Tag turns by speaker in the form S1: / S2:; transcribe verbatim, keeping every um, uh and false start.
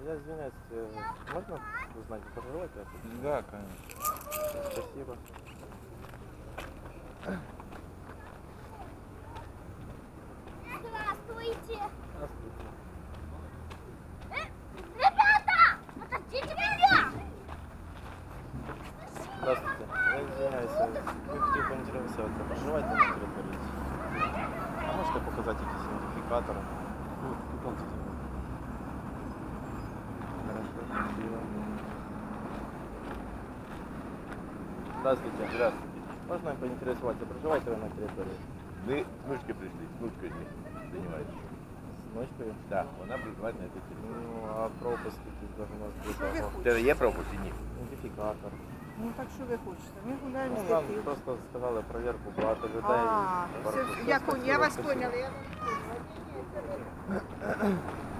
S1: Я извиняюсь, э, можно узнать, вы проживаете?
S2: Да, конечно.
S1: Спасибо.
S3: Здравствуйте!
S1: Здравствуйте.
S3: Э, ребята! Подождите меня!
S1: Здравствуйте. Я извиняюсь, вы хотів поінтересуватися, ви проживаєте на території? А можете показати якісь ідентифікатори?
S2: Ну, питомцы.
S1: Хорошо, спасибо. Здравствуйте.
S2: Здравствуйте.
S1: Можно поинтересоваться, проживаете вы на территории?
S2: Мы с внучкой пришли, с внучкой занимаетесь.
S1: С ночкою?
S2: Да, вона проживає на этой территории.
S1: Ну, а пропуск якийсь должно
S4: Що ви
S1: бути.
S2: У
S4: хочете?
S2: тебе є пропуск чи ні?
S1: Ідентифікатор.
S4: Ну так що ви хочете? Ми гуляємо
S1: Ну,
S4: з
S1: нам
S4: дитиною.
S1: просто сказали проверку, багато людей.
S4: А,
S1: Пару
S4: все,
S1: часов.
S4: я, я вас
S1: Спасибо.
S4: поняла. Я вас поняла. Ні, ні, це ви-